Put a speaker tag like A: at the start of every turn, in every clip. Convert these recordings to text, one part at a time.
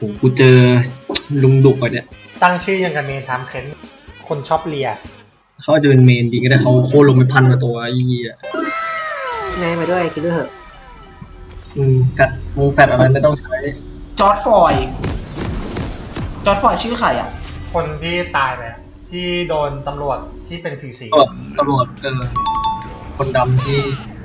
A: กูเจอลุงดุกอ่ะเนี่ย
B: ตั้งชื่อยังกันเมนทามเค้นคนชอบเลีย
A: เขาอาจจะเป็นเมนจริงก็ได้เขาโค่นลงไปพันกว่าตัวไอ้เหี้ย
C: นายมาด้วยคิดด้วยเหอะ
A: แฟดแฟดอะไรไม่ต้องใช้
D: จอร์ดฟอยชื่อใครอ่ะ
B: คนที่ตายไปที่โดนตำรวจที่เป็นผิวสี
A: ตำรวจคนดำที่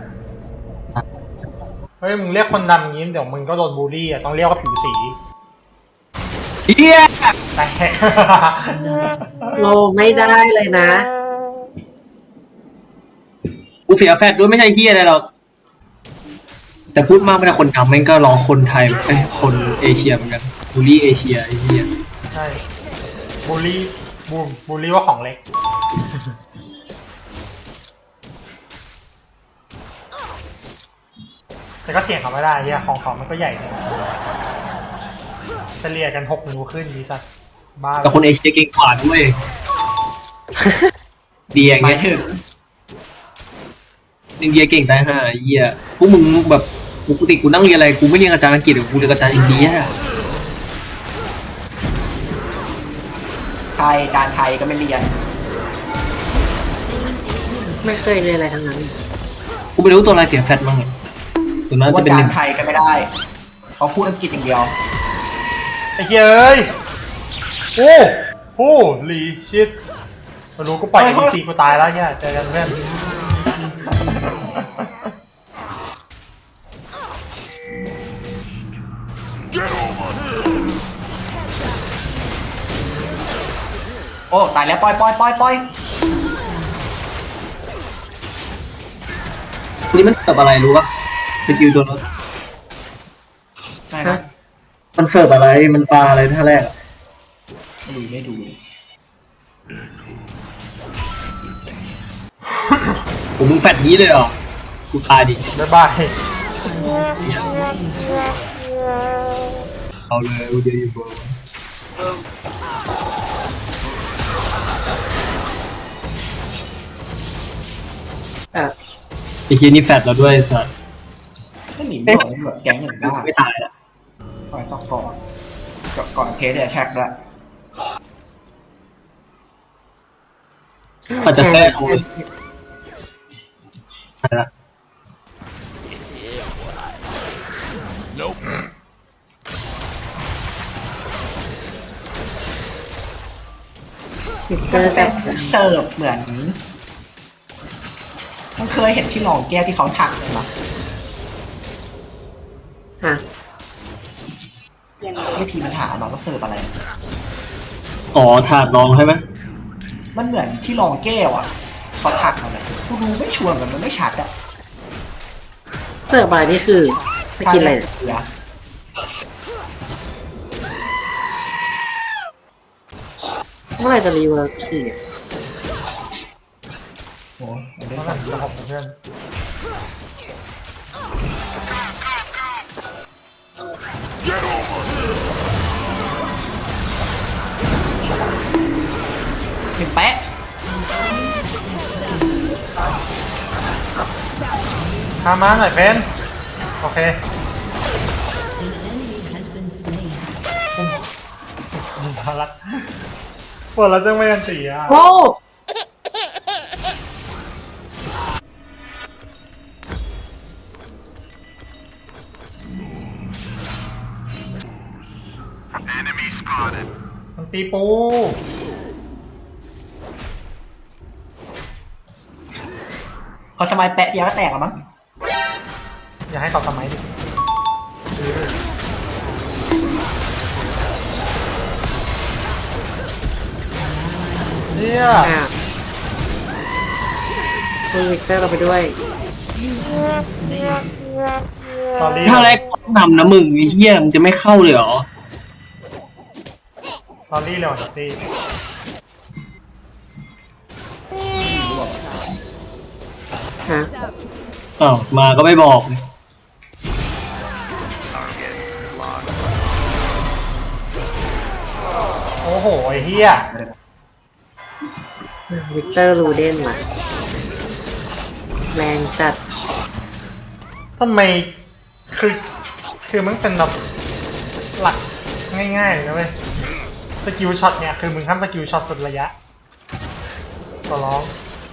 B: เฮ้ยมึงเรียกคนดำงี้เดี๋ยวมึงก็โดนบูลลี่อ่ะต้องเรียกว่าผิวสี
A: เฮีย
B: แต่
C: โลไม่ได้เลยนะ
A: กูเสียแฟดด้วยไม่ใช่เฮียอะไรหรอกแต่พูดมากไม่ได้คนดำแม่งก็รอคนไทยคนเอเชียเหมือนกันบูลลี่เอเชียไอ้เฮีย
B: ใช่บูลลี่ว่าของเล็กแต่ก็เถียงเขาไม่ได้เฮียของเขามันก็ใหญ่เลยเฉลี่ยกัน6 นิ้วขึ้นดีสัสบ้า
A: แต่คนเอเชียเก่งกว่าด้วยดีอย่างเงี้ยอินเดียเก่งได้ฮะเหี้ยพวกมึงแบบปกติกูนั่งเรียนอะไรกูไม่เรียนอาจารย์อังกฤษหรอกกูเรียนอาจารย์อินเดีย
D: ไทยการไทยก็ไม่เรียน
C: ไม่เคยเรียนอะไรทั้งนั้น
A: กูไม่รู้ตัวอะไรเสียแฟตมั้งตัวนั้นจะเป็น
D: การไทยก็ไม่ได้เขาพูดอังกฤษอย่างเดียว
B: ไอ้เฮ้ยโอ้ลีชิตมารู้กูปล่อยไอ้ซีกูตายแล้วเนี่ยเจอกันเพื่อน
D: โอ้ตายแล้วปล่อย
A: นี่มันเสิร์ฟอะไรรู้ปะสกิลตัวนั้นมันเสิร์ฟอะไรมันปลาอะไรท่าแรก
D: ไม่ดู
A: ผมมึงแฟดนี้เลยเหรอกูตายดิ
B: บ๊ายบาย
A: เอาเลยกูจะอยู่บนไอ้เฮียนี่แฟดแล้วด้วยสัตว์
D: ไม่หนีไม่แบบแก๊งอย่างบ้า
A: ไม่ตายอ่ะ
D: ปล่อยต่อก่อนเพจแท็กด้วย
A: อาจจะแค่อะไรละ
D: เป็นเสิร์ฟเหมือนมันเคยเห็นที่รองแก้วที่เขาถักไหม
C: ฮะ
D: ไม่พีมันถามมาว่าเสิร์ฟอะไร
A: อ๋อถาดรองใช่ไหม
D: มันเหมือนที่รองแก้วอ่ะเขาถักมาเลยกูดูไม่ชัวร์มันไม่ชัดอ่ะ
C: เสิร์ฟบายนี่คือจะกินอะไรเมื่อไรจะรีเวิร์สทีเนี่ย
D: โอ้ย
B: เมื่อไหร่จะขอบเพื่อน
D: เห็นแป๊ะ
B: ทำมาหน่อยเพนโอเคน่ารักปวดแล้วจังไม่กันตีอ่ะ
C: โอ้
B: มันตีปู
D: เขาสมัยแปะยาก็แตกอ่ะมั้ง
B: อย่าให้เขาทำไมดิเนี่ย
C: คุณวิกเตอร์เราไปด้วย
A: ถ้าแรกนำนะมึงไอ้เหี้ยมึงจะไม่เข้าเลยเหรอ
B: ซอรี่เลยว่ะตี้
C: ฮะ
A: อ้าวมาก็ไม่บอกเลย
B: โอ้โหไอ้เหี้ย
C: วิกเตอร์รูเดนว่ะแรงจัด
B: ทำไมคือมันเป็นแบบหลักง่ายๆเลยนะเว้ยสกิลช็อตเนี่ยคือมึงห้ามสกิลช็อตสุดระยะขอร้อง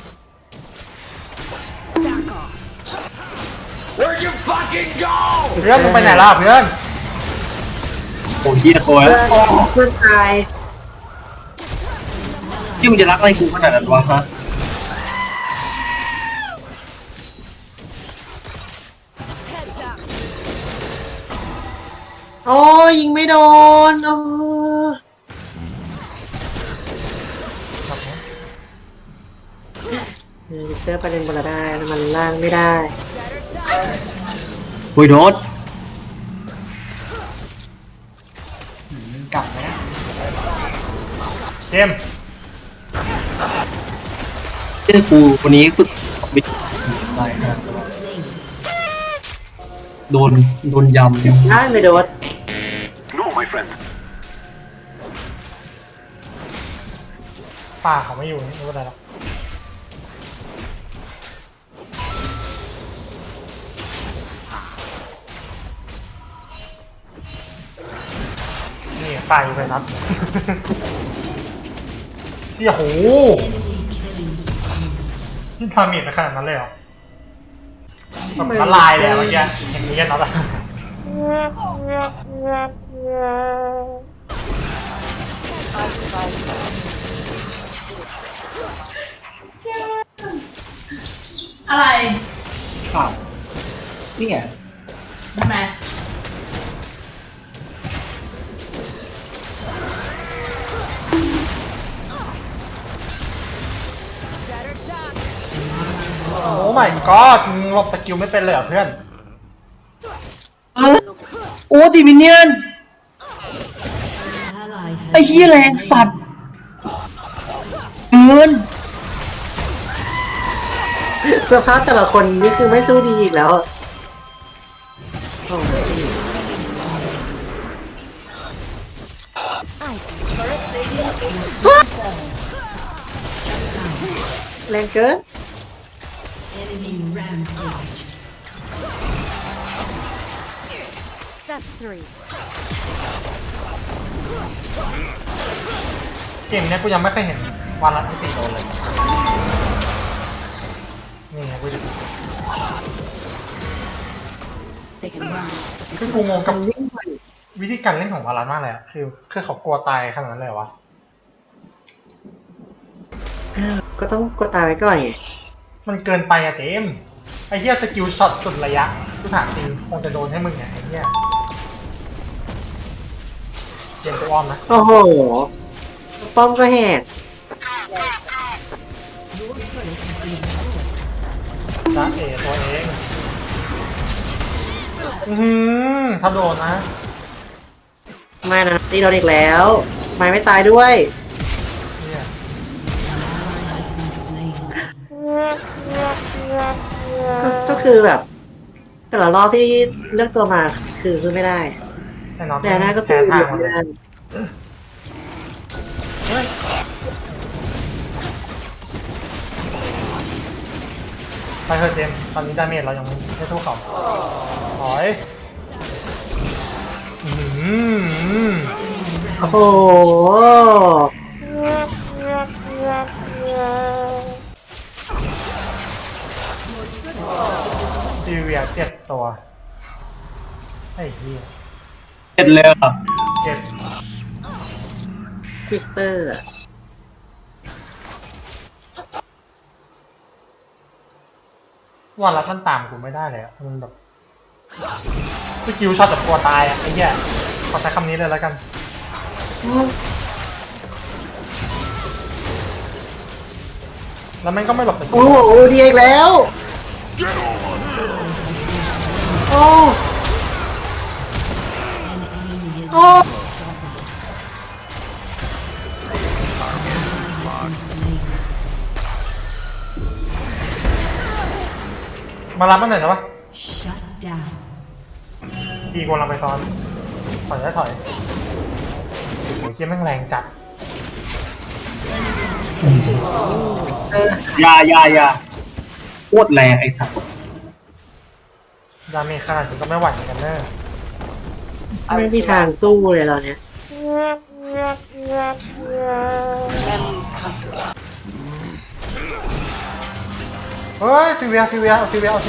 E: Where'd you fucking go?
B: เพื่อนมึงไปไหนล่ะเพื่อน
A: โอ้เฮียตัว
C: เพื่
A: แล้ว
C: อนเพื่อนตาย
A: ที่มึงจะรักอะไรกูขนาดนั้นวะฮะ
C: โอ้ยิงไม่โดนโอ้เจอประเด็นบนละได้มันล่างไม่ได้
A: โอ้ยโดน
D: กลับไหมนะ
B: เจมส์
A: เจ้ากูคนนี้ฝึกวิทย์ได้ครับโดนยำ
C: ได้ไม่โดน
E: No, my friend.
B: ป่าเขาไม่อยู่นี่ไม่เป็นไรหรอกนี่ป่าอยู่ไปนัด เชี่ยโหนี่ทามิดขนาดนั้นเลยเหรอแบบละลายเลยอะเมื่อกี้เห็นนี้กันนัดอะ
F: อะไร
D: อ้าวนี่ไง
F: ทำไม
B: โอ้ my god มึงหลบสกิลไม่เป็นเลยเหรอเพื่อน
A: โอ้ดิมิเนียนไอ้เฮียแรงสัตว์เกิน
C: สภาพแต่ละคนนี่คือไม่สู้ดีอีกแล้วโอ้ยแรงเกิน
G: That's three.
B: เกมเนี้ยกูยังไม่เคยเห็นวันละ4โดนเลย นี่ไงกูจะ
G: They can run.
B: คือกูงงกับ
C: มันวิ่งไป
B: วิธีการเล่นของวารันมากเลยอะคือเขากลัวตายขนาดนั้นเลยเหรอวะ
C: ก็ต้องกดตายไว้ก่อนไง
B: มันเกินไปอะเจมส์ไอ้เหี้ยสกิลช็อตสุดระยะกูถามจริงคงจะโดนให้มึงไงไอ้เหี้ยเจมส์ตัวอ้อมนะ
C: โอ้โห ป้อมก็แหก
B: จ้าเอตัวเองถ้าโดนนะ
C: ไม่นะตีโดนอีกแล้ว ไม่ตายด้วย
B: เนี่ย
C: ก็คือแบบ แต่ละรอบที่เลือกตัวมาคือไม่ได้
B: แน่นอน
C: แต่หน้าก็สู้
B: แพ้
C: เย
B: ทาง
C: อะ
B: หมด
C: ไม่
B: เลย
C: ได้
B: ไปเถอะเจมส์ตอนนี้ดาเมจเรายังไม่สู้เขาถอยม
C: โอ้โห
B: ดีเวีย7 ตัวไอ้เหี้ย
A: เจ็ดเลยอ่ะ
B: 7
C: ฟิกเตอร์อะ
B: วันละท่านตามกูไม่ได้เลยอะมันแบบสกิลช็อตแบบกลัวตายอะไอ้เหี้ยขอใช้คำนี้เลยแล้วกัน แล้วมันก็ไม่หลบแต่
C: โอ้โหดีอีกแล้ว โอ้โอ้
B: มารับมันหน่อยนะวะ
G: Shut down.
B: ดีกว่าเราไปซ้อนถอยได้ถอยโอ้ยเกียแม่งแรงจัด
A: ยาโคตรแรงไอ้สัตว์
B: ดาเมจขนาดนี้ก็ไม่ไหวเหมือนกันเนอะ
C: ไม่มีทางสู้เลยตอนเนี้ย
B: เฮ้ยซีเวียเอาซีเวีย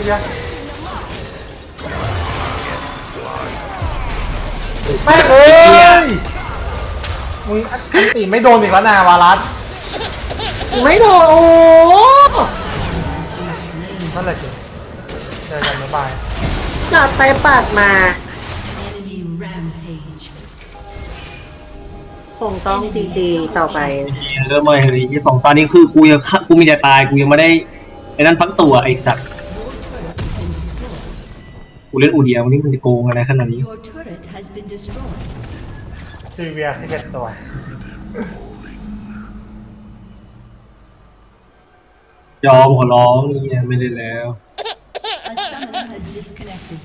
B: ไม่เอ้ยมึงอันตีไม่โดนอีกแล้วนะวารัส
C: ไม่โดนโอ้โห
B: นั่นแหละจริงเจอกันบ๊ายบาย
C: ปาดไปปาดมา
G: Enemy rampage.
C: คงต้องจีต่อไป
A: เริ่มมาเลยที่2 ตอนนี้คือกูมีแต่ตายกูยังไม่ได้ไอ้นั่นฟักตัวไอ้สัตว์กูเล่นอูเดียวันนี้มันจะโกงอะไรขนาดนี้
G: Your turret has been destroyed.
B: ซีเวีย11 ตัว
A: ยอมขอร้องนี่ไม่ได้แล้ว
G: A summoner has disconnected.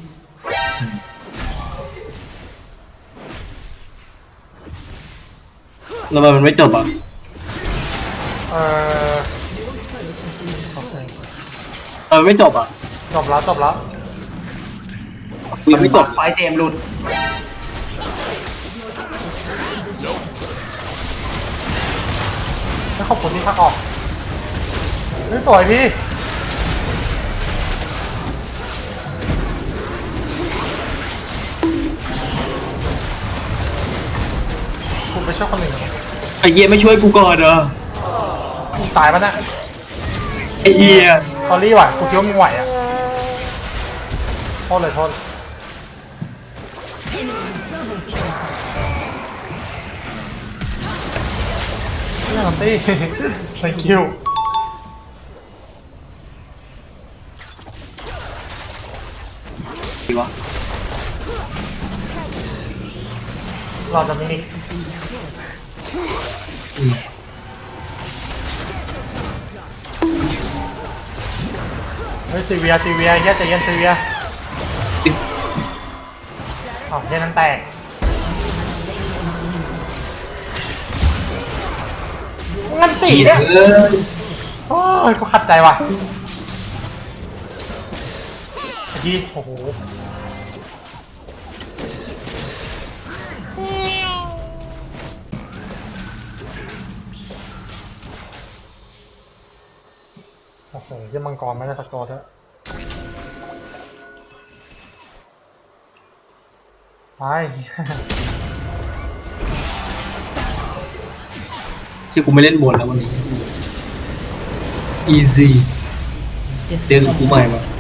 A: แล้วมันไม่จบอ่ะ
B: โอเค
A: มันไม่จบอ่ะ
B: จบแล้ว
A: ยังไม่จบ
D: ปล่อยเจมส์หลุด
B: ไม่ขอบคุณที่พักออกเฮ้ยสวยพี่คุณไปช่วยคนอื่นเหรอ
A: ไอ้เหี้ยไม่ช่วยกูก่อนเหรอ
B: มึงตายปะเนี่ย
A: ไอ้เหี้ย
B: ตอรี่ว่ะกูคิดว่ามึงไหวอ่ะโทษเลยเรื่องของตี้ thank you
A: ดีวะ
B: เราจะมินิ
A: อืม
B: เฮ้ยซีเวียเฮียใจเย็นซีเวียอ้าวเฮียนั้นแตกงันตีเนี่ย โอ้ยกูขัดใจว่ะไอ้ที่โอ้โหโอ้โหยังมังกรไม่ได้สักตัวเถอะไป
A: ที่กูไม่เล่นบนแล้ววันนี้ easy เจอกับกูใหม่มา